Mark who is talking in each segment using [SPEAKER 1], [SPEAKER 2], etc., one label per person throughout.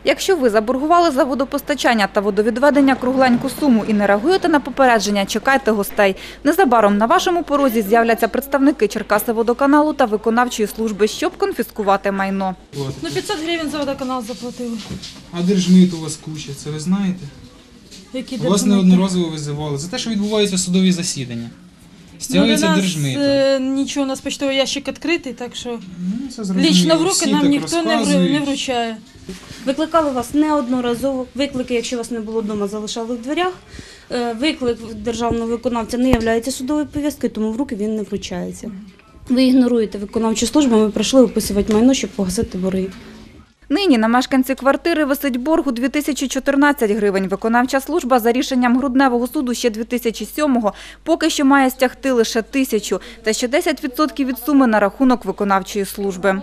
[SPEAKER 1] Якщо ви заборгували за водопостачання та водовідведення кругленьку суму і не реагуєте на попередження, чекайте гостей. Незабаром на вашому порозі з'являться представники Черкасиводоканалу та виконавчої служби, щоб конфіскувати майно.
[SPEAKER 2] Ну 500 гривень за водоканал заплатили.
[SPEAKER 3] А держмит у вас куча, це ви знаєте?
[SPEAKER 2] Які
[SPEAKER 3] Вас неодноразово визивали за те, що відбуваються судові засідання. Стягується держмит.
[SPEAKER 2] Нічого, у нас почтовий ящик відкритий, так що
[SPEAKER 3] Це зрозуміло.
[SPEAKER 2] лічно в руки
[SPEAKER 3] Всі
[SPEAKER 2] нам
[SPEAKER 3] так
[SPEAKER 2] ніхто не
[SPEAKER 3] розказують.
[SPEAKER 2] вручає.
[SPEAKER 4] Викликали вас неодноразово. Виклики, якщо вас не було вдома, залишали в дверях. Виклик державного виконавця не є судовою повісткою, тому в руки він не вручається. Ви ігноруєте виконавчу службу, ми прийшли описувати майно, щоб погасити борги.
[SPEAKER 1] Нині на мешканці квартири висить борг у 2014 гривень. Виконавча служба за рішенням Грудневого суду ще 2007-го поки що має стягти лише 1000, та ще 10% від суми на рахунок виконавчої служби.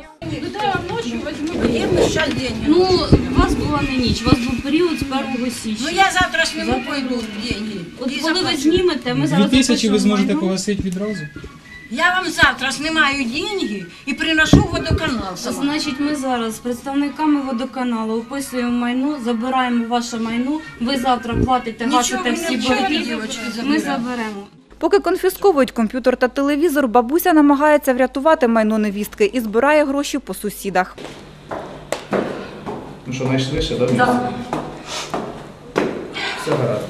[SPEAKER 4] Ну, у вас була не ніч, у вас був період з 1 січня.
[SPEAKER 5] Ну я завтра сниму, пойду деньги.
[SPEAKER 4] От коли ви знімете, ми зараз
[SPEAKER 3] 2000 ви
[SPEAKER 4] запишемо
[SPEAKER 3] зможете
[SPEAKER 4] майно.
[SPEAKER 3] погасити відразу?
[SPEAKER 5] Я вам завтра снимаю деньги и приношу в водоканал сама.
[SPEAKER 4] Значить, ми зараз з представниками водоканалу описуємо майно, забираємо ваше майно, ви завтра платите, гасите всі борги, ми заберемо.
[SPEAKER 1] Поки конфісковують комп'ютер та телевізор, бабуся намагається врятувати майно невістки і збирає гроші по сусідах.
[SPEAKER 6] Ну що, найшвидше, так? Так. Все гаразд.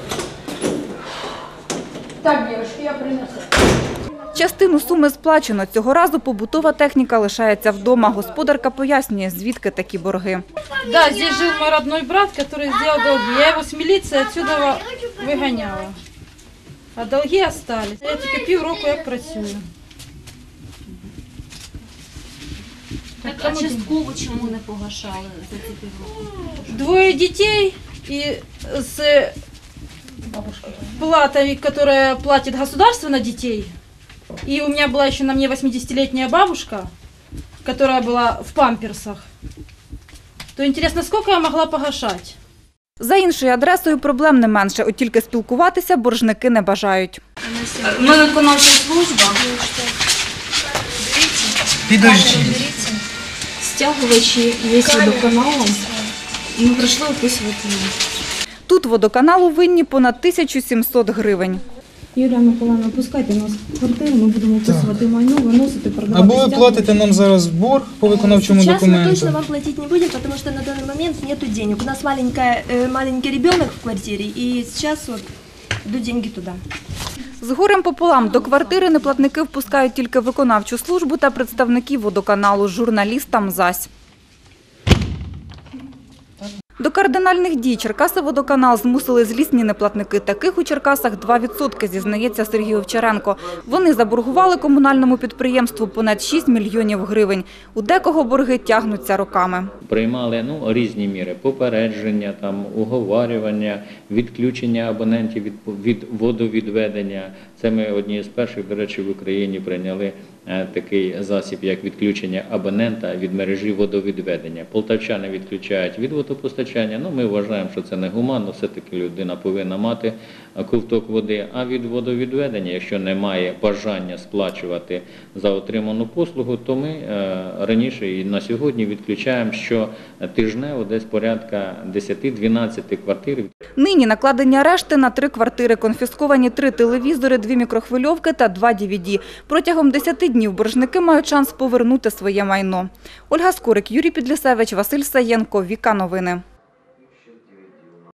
[SPEAKER 5] Так, девушки, я принесу.
[SPEAKER 1] Частину суми сплачено. Цього разу побутова техніка лишається вдома. Господарка пояснює, звідки такі борги.
[SPEAKER 2] Да, здесь жил мой родной брат, который сделал долги. Я его с милиции отсюда выгоняла. А долги остались. Я тільки півроку як працюю.
[SPEAKER 4] Так, а частково чому не погашали за ці півроку?
[SPEAKER 2] Двое детей и с платой, которая платит государство на детей. И у меня была еще на мне 80-летняя бабушка, которая была в памперсах. То интересно, сколько я могла погашать?
[SPEAKER 1] За іншою адресою проблем не менше, от тільки спілкуватися боржники не бажають.
[SPEAKER 4] Ми виконавча служба.
[SPEAKER 3] Підожди.
[SPEAKER 4] Стягувачі є водоканалом. І ми прийшли описувати майно.
[SPEAKER 1] Тут водоканалу винні понад 1700 гривень.
[SPEAKER 4] Юлія Миколаївна, пускайте нас в квартиру, ми будемо описувати майно, виносити, продавати.
[SPEAKER 3] Або ви платите нам зараз борг по виконавчому
[SPEAKER 7] Сейчас мы
[SPEAKER 3] документу.
[SPEAKER 7] точно вам платить не будем, потому что на данный момент нету денег. У нас маленький ребенок в квартире, и сейчас вот идут деньги туда.
[SPEAKER 1] З горем пополам до квартири неплатники впускають тільки виконавчу службу та представників водоканалу, журналістам зась. До кардинальних дій Черкасиводоканал змусили злісні неплатники. Таких у Черкасах 2%, зізнається Сергій Овчаренко. Вони заборгували комунальному підприємству понад 6 мільйонів гривень. У декого борги тягнуться роками.
[SPEAKER 8] Приймали різні міри – попередження, уговарювання, відключення абонентів від водовідведення. Це ми одні з перших, до речі, в Україні прийняли такий засіб, як відключення абонента від мережі водовідведення. Полтавчани відключають від водопостачання. Ми вважаємо, що це негуманно, все-таки людина повинна мати ковток води. А від водовідведення, якщо немає бажання сплачувати за отриману послугу, то ми раніше і на сьогодні відключаємо щотижнево десь порядка 10-12 квартир.
[SPEAKER 1] Нині накладені арешти на 3 квартири, конфісковані 3 телевізори, 2 мікрохвильовки та 2 DVD. Протягом 10 днів боржники мають шанс повернути своє майно. Ольга Скорик, Юрій Підлісевич, Василь Саєнко, Віка Новини.